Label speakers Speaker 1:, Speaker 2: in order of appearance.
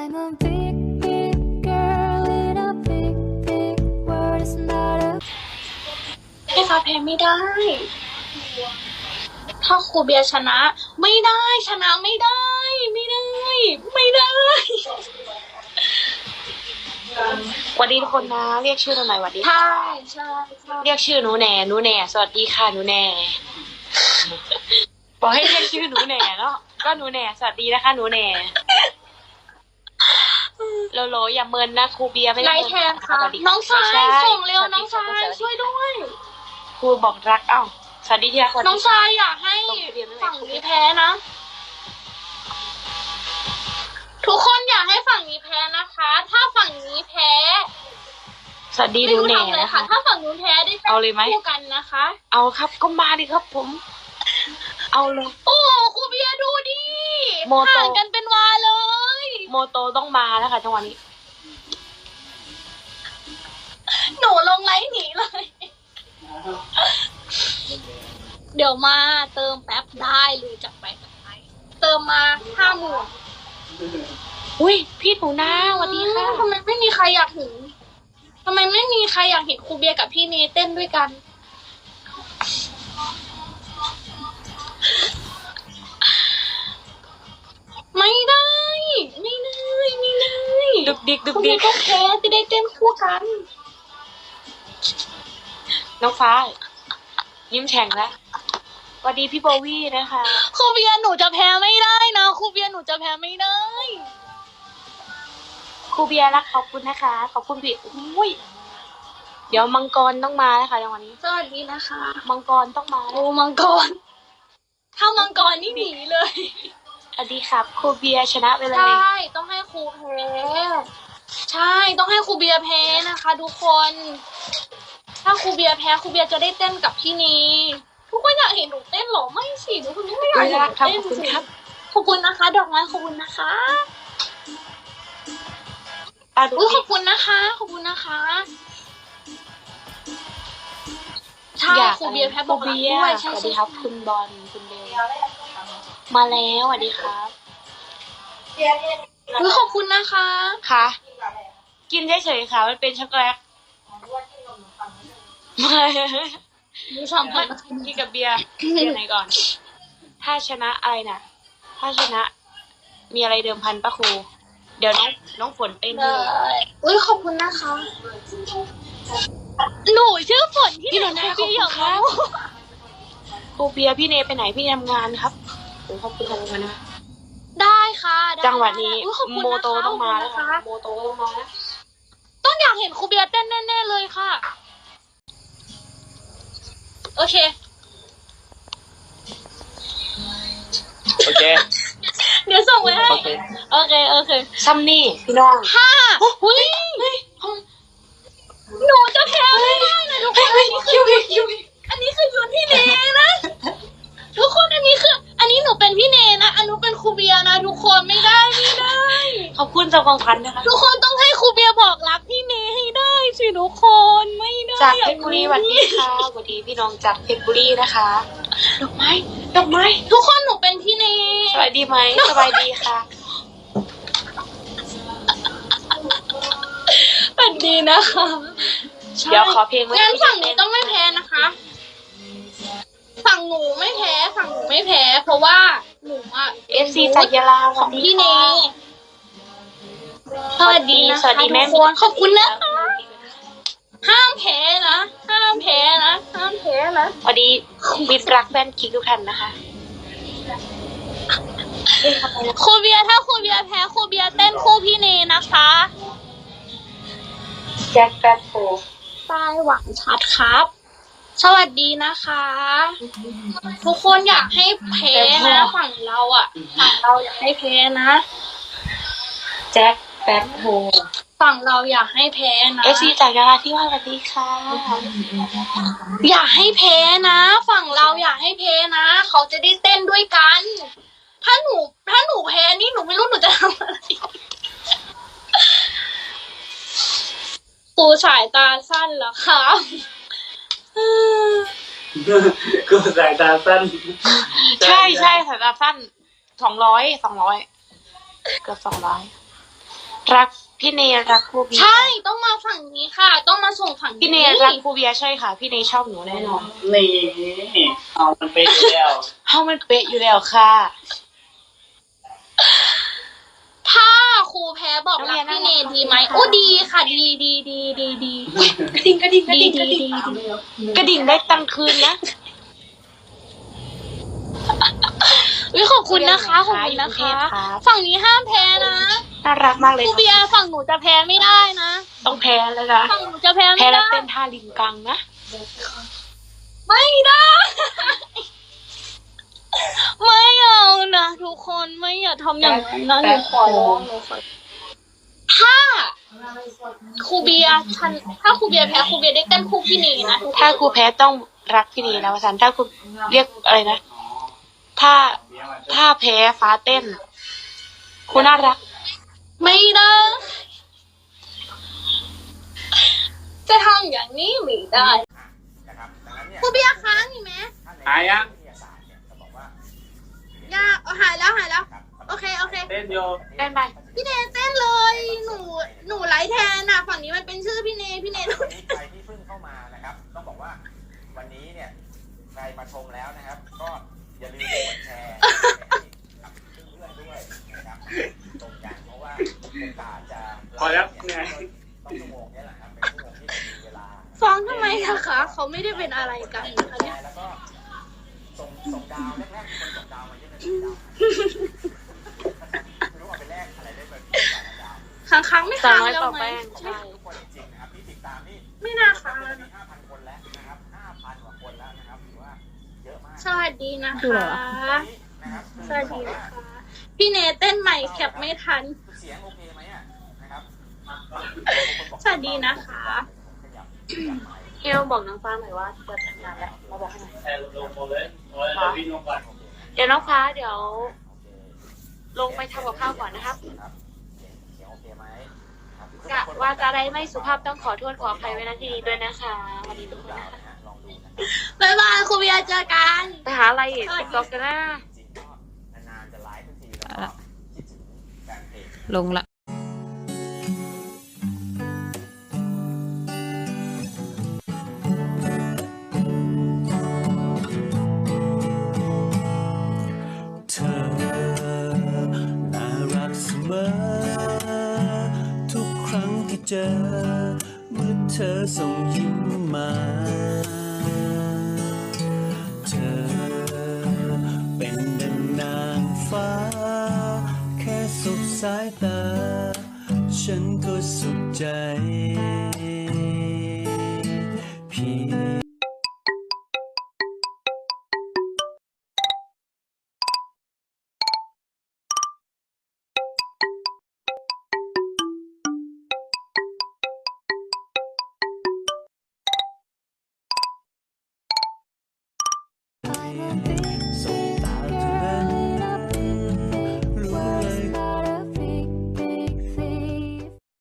Speaker 1: I'm a big, big girl in a big, big world. It's not a
Speaker 2: ให้ฟ้าแพ้ไม่ได้ ถ้าครูเบียร์ชนะ ไม่ได้ชนะไม่ได้ ไม่ได้ ไม่ได้
Speaker 3: สวัสดีทุกคนนะเรียกชื่อหน่อยสวัสดี
Speaker 2: ใช่
Speaker 3: ค่ะ
Speaker 2: ใช่ใช่
Speaker 3: เรียกชื่อหนูแหน่หนูแหน่สวัสดีค่ะหนูแหน่บอกให้เรียกชื่อหนูแหน่เนาะก็หนูแหน่สวัสดีนะคะหนูแหน่โลโลอย่าเมินนะครูเบียร์ไม่
Speaker 2: ไล
Speaker 3: ได้
Speaker 2: ท์แทนค่ะ
Speaker 3: สวัสดี
Speaker 2: น้องชาย
Speaker 3: ใช่
Speaker 2: ส่งเร็ว
Speaker 3: สวัส
Speaker 2: น้
Speaker 3: ดี
Speaker 2: องชาย
Speaker 3: สวัสดี
Speaker 2: ช่วยด้วย
Speaker 3: ครูบอกรักเอ้าสวัสดีที่รักสวัสดี
Speaker 2: น้องชายอยากให้
Speaker 3: ส่งทะเบียนไว้ไหน
Speaker 2: ฝั่งนี้แพ้นะ ทุกคนอยากให้ฝั่งนี้แพ้นะคะ ถ้าฝั่งนี้แพ้
Speaker 3: สวัสดีห
Speaker 2: ไม่
Speaker 3: นู
Speaker 2: รู้
Speaker 3: แหน่
Speaker 2: ทำเลย
Speaker 3: นะ
Speaker 2: ค่ะ
Speaker 3: คะ
Speaker 2: ถ้าฝั่งนู้นแพ้ได้เต้
Speaker 3: เอาเลยไหม
Speaker 2: นคู่กันนะคะ
Speaker 3: เอาครับก็มาดิครับผม เอาเลย
Speaker 2: โอ้ครูเบียร์ดูดิ
Speaker 3: โมโต
Speaker 2: ห่างกันเป็นวาเลย
Speaker 3: โมโตต้องมาแล้วค่ะจังหวะนี้
Speaker 2: หนูลงไลน์หนีเลย เดี๋ยวมาเติมแป๊บได้เลยจับไปเติมมา50,000
Speaker 3: อุ้ยพี่หนูนาสวัสดีค่ะ
Speaker 2: ทำไมไม่มีใครอยากเห็นทำไมไม่มีใครอยากเห็นครูเบียร์กับพี่เนเต้นด้วยกัน ไม่ได้ ไม่ได้ ไม่ได้
Speaker 3: ดึกดิกดึ
Speaker 2: ค
Speaker 3: ก
Speaker 2: รู
Speaker 3: ดิ
Speaker 2: เบีย
Speaker 3: ก
Speaker 2: ร์ก็แพ้จะได้เต้นคู่กัน
Speaker 3: น้องฟ้า ยิ้มแฉ่งแล้วสวัสดีพี่โบวี่นะคะ
Speaker 2: ครูเบียร์หนูจะแพ้ไม่ได้นะครูเบียร์หนูจะแพ้ไม่ได้
Speaker 3: ครูเบียร์รักขอบคุณนะคะ ขอบคุณพี่อุ้ยเดี๋ยวมังกรต้องมาแล้วค่ะจังหวะนี้
Speaker 2: สวัสดีนะคะ
Speaker 3: มังกรต้องมาแล้
Speaker 2: โอ้
Speaker 3: ว
Speaker 2: มังกร ถ้ามังกรนี่หนีเลย
Speaker 3: สวัสดีครับครูเบียร์ชนะไปเล
Speaker 2: ใช่
Speaker 3: ย
Speaker 2: ต้องให้ครูแพ้ ใช่ ต้องให้ครูเบียร์แพ้นะคะ ทุกคน ถ้าครูเบียร์แพ้ครูเบียร์จะได้เต้นกับพี่นีทุกคนอยากเห็นหนูเต้นเหรอ ไม่สิทุกคนไม่อยากเห็นหนู
Speaker 3: ครับ
Speaker 2: เต้น
Speaker 3: ขอบคุณครับ
Speaker 2: ขอบคุณนะคะ ดอกไม้ขอบคุณนะคะ
Speaker 3: อ่ะดู
Speaker 2: อุ้ยข
Speaker 3: ดิ
Speaker 2: อบคุณนะคะ ขอบคุณนะคะ ใช่
Speaker 3: อยาก
Speaker 2: ครูเบียร์แพ้
Speaker 3: ค
Speaker 2: บ
Speaker 3: รู
Speaker 2: อกรัก
Speaker 3: เบีย
Speaker 2: ด้วย
Speaker 3: ร์ส
Speaker 2: ใช่
Speaker 3: วัส
Speaker 2: ใช่
Speaker 3: ดีครับ คุณบอลคุณเบลมาแล้วสวัสดีครับ
Speaker 2: อุ้ยขอบคุณนะคะ
Speaker 3: ค่ะ กินเฉยๆค่ะมันเป็นช็อกโกแลตไม่
Speaker 2: ดูสัมผัส
Speaker 3: กินกับเบียร์เบียร์ไหนก่อน ถ้าชนะอะไรน่ะ ถ้าชนะ มีอะไรเดิมพันปะครู เดี๋ยวน้องฝนเต้นด้วย
Speaker 2: อุ้ยขอบคุณนะคะ หนูชื่อฝนที่
Speaker 3: พี่
Speaker 2: ไห
Speaker 3: ห
Speaker 2: น
Speaker 3: นูนา
Speaker 2: ครูเบียร์
Speaker 3: ขอบคุณครับ ครูเบียร์พี่เนไปไหนพี่ทำงานครับโอ้ขอบคุณทำงานนะ
Speaker 2: ได้ค่ะได้
Speaker 3: จังหวะนี้
Speaker 2: อุ๊ยขอบคุณ
Speaker 3: โม
Speaker 2: นะคะ
Speaker 3: โตต้องมาแล้ว
Speaker 2: ขอบ
Speaker 3: ค่ะ
Speaker 2: คุณนะคะ
Speaker 3: โมโตต้องมาแล้ว
Speaker 2: ต้องอยากเห็นครูเบียร์เต้นแน่ๆเลยค่ะ โอเค
Speaker 4: โอเค
Speaker 2: เดี๋ยวส่งไว้ให้
Speaker 4: โอเค
Speaker 2: โอเค โอเค
Speaker 3: ซัมนี่พี่น้อง
Speaker 2: หุ้ยหนูจะแพ้ไม่ได้นะทุกคนอันนี้คือชุดพี่เนนะ ทุกคนอันนี้หนูเป็นพี่เนนะอันนู้นเป็นครูเบียร์นะทุกคนไม่ได้ไม่ได้
Speaker 3: ขอบคุณสำหรับของขวัญนะคะ
Speaker 2: ทุกคนต้องให้ครูเบียร์บอกรักพี่เนให้ได้สิทุกคนไม่ได้
Speaker 3: จากเพชรบุรีสวัสดีค่ะสวัสดีพี่น้องจากเพชรบุรีนะคะ ดอกไม้ดอกไม้
Speaker 2: ทุกคนหนูเป็นพี่เน
Speaker 3: สบายดีไหมสบายดีค่ะ
Speaker 2: เป็นดีนะคะใช่
Speaker 3: เดี๋ยวขอเพลงไว้
Speaker 2: งั้นฝั่งหนูต้องไม่แพ้นะคะ ฝั่งหนูไม่แพ้ฝั่งหนูไม่แพ้ เพราะว่าหนูอ่ะ
Speaker 3: FC จากยะลาส
Speaker 2: ข
Speaker 3: วั
Speaker 2: อ
Speaker 3: ส
Speaker 2: ง
Speaker 3: ดี
Speaker 2: พี่เน
Speaker 3: ค่ะ
Speaker 2: สวัสดีนะคะ
Speaker 3: สวัสดีแม่
Speaker 2: ทุกคนขอบคุณนะคะ ห้ามแพ้นะ ห้ามแพ้นะ ห้ามแพ้นะ
Speaker 3: สวัสดีมิตรรักแฟนคิกทุกท่านนะคะ
Speaker 2: ครูเบียร์ถ้าครูเบียร์แพ้ครูเบียร์เต้นคู่พี่เนนะคะ
Speaker 3: แจ็คแป๊บโฟ
Speaker 2: ใต้หวังชัดครับ สวัสดีนะคะ ทุกคนอยากให้แพ้นะฝั่งเราอ่ะฝั่งเราอยากให้แพ้นะ
Speaker 3: แจ็คแป๊บโฟ
Speaker 2: ฝั่งเราอยากให้แพ้นะ
Speaker 3: FC จากยะลาที่ว่าสวัสดีค่ะ
Speaker 2: อยากให้แพ้นะ ฝั่งเราอยากให้แพ้นะ เขาจะได้เต้นด้วยกัน ถ้าหนูแพ้นี่หนูไม่รู้หนูจะทำอะไรครูสายตาสั้นเหรอคะ
Speaker 4: กูสายตาสั้น
Speaker 3: ใช่สายตาสั้น200เกือบ200 รักพี่เนรักครูเบียร์
Speaker 2: ใช่ต้องมาฝั่งนี้ค่ะ ต้องมาส่งฝั่งนี้
Speaker 3: พี่เนรักครูเบียร์ใช่ค่ะ พี่เนชอบหนูแน่นอน
Speaker 4: นี่เอามันไปแล้ว
Speaker 3: เฮ้ามันเป๊ะอยู่แล้วค่ะ
Speaker 2: ถ้าครูแพ้บอกรักพี่เนดีไหมโอ้ดีค่ะดีดี
Speaker 3: กระดิ่งกระดิ่งกระดิ่งกระดิ่งกระดิ่งได้ตังค์คืนนะ
Speaker 2: วิขอบคุณนะคะขอบคุณนะคะ ฝั่งนี้ห้ามแพ้นะ
Speaker 3: น่ารักมากเลย
Speaker 2: ครูเบียร์ฝั่งหนูจะแพ้ไม่ได้นะ
Speaker 3: ต้องแพ้แล้วนะ
Speaker 2: ฝั่งหนูจะแพ้
Speaker 3: แพ้
Speaker 2: ไม่
Speaker 3: แล้ว
Speaker 2: ได้
Speaker 3: เต้นท่าลิงกังนะ
Speaker 2: ไม่ได้ ไม่เอานะทุกคนไม่อย่าทำอย่างนั้นนะหนูขอร้องหนูขอถ้าครูเบียร์ฉันถ้าครูเบียร์แพ้ครูเบียร์ได้เต้นคู่พี่เนนะทุกคน
Speaker 3: ถ้าครูแพ้ต้องรักพี่เนนะวสันต์ถ้าครูเรียกอะไรนะ ถ้าแพ้ฟ้าเต้นครูน่ารัก
Speaker 2: ไม่ได้จะทำอย่างนี้ไม่ได้ครูเบียร์ค้างอีกไหม
Speaker 4: หายยัง
Speaker 2: ยากหายแล้วโอเค
Speaker 4: เต้นโย
Speaker 3: ได้ไหม
Speaker 2: พี่เนเต้นเลย หนูไลฟ์แทนอ่ะฝั่งนี้มันเป็นชื่อพี่เน
Speaker 5: วันนี้ใครที่เพิ่งเข้ามานะครับ ต้องบอกว่าวันนี้เนี่ยใครมาชมแล้วนะครับ ก็อย่าลืมกดแชร์กับเพื่อนๆด้วยนะครับตรงกันเพราะว่าโอกาสจะ
Speaker 4: พอแล้วเหนื่อย
Speaker 5: ต้องชั่วโมงนี้แหละครับเป็นชั่วโมงที่เรามีเวลา
Speaker 2: ฟ้องทำไมคะเขาไม่ได้เป็นอะไรกันนะคะเนี่ย
Speaker 5: แล้วก็ส่งดาวแรกๆคนส่งดาวมาเยอะเลยดาวไม่รู้เอาไปแลกอะไรได้เลยดาว
Speaker 2: ค้างไม่
Speaker 3: สา
Speaker 2: ค้าง
Speaker 3: มร้อย
Speaker 2: แล้ว
Speaker 3: ต่อ
Speaker 2: ไหม
Speaker 3: แป้งใช่
Speaker 5: ทุกคนจริงๆนะครับที่ติดตามนี่
Speaker 2: ไม่น่าค้างแล้ว
Speaker 5: มี
Speaker 2: นะ
Speaker 5: 5,000 คนแล้วนะครับ 5,000 กว่าคนแล้วนะครับถือว่าเยอะมาก
Speaker 2: สวัสดีนะคะ
Speaker 5: นะครับ
Speaker 2: สวัสดีนะคะ พี่เนเต้นใหม่แคปไม่ทัน
Speaker 5: เสียงโอเคไหมอ่ะนะครับ
Speaker 2: สวัสดีนะคะ
Speaker 3: เอลบอกน้องฟ้าหน่อยว่าจะทำงานแล้วมาบอกให้หน่อย
Speaker 4: แชร์ลงหมดเลยโอ้ยเดี๋ยวพี่ลงก่อน
Speaker 3: เดี๋ยวน้องฟ้าเดี๋ยว ลงไปทำกับข้าวก่อนนะครับ
Speaker 5: เสียงโอเคไหมครับ
Speaker 3: กะว่าจะได้ไม่สุภาพต้องขอโทษขออภัยไว้ณที่นี้ด้วยนะคะวันนี้ทุกคนนะคะ
Speaker 5: ลองดูนะ
Speaker 2: บ๊ายบายครูเบียร์เจอกัน
Speaker 3: ไปหาอะไรอีกติ๊กต็อกกันนะ
Speaker 5: จริงๆก็นานๆจะไลฟ์ทุกทีแล้วก็คิดถึงแฟนเพจ
Speaker 6: ลงละ
Speaker 7: เธอน่ารักเสมอ ทุกครั้งที่เจอ เมื่อเธอส่งยิ้มมา เธอเป็นดังนางฟ้า แค่สบสายตา ฉันก็สุขใจเพียง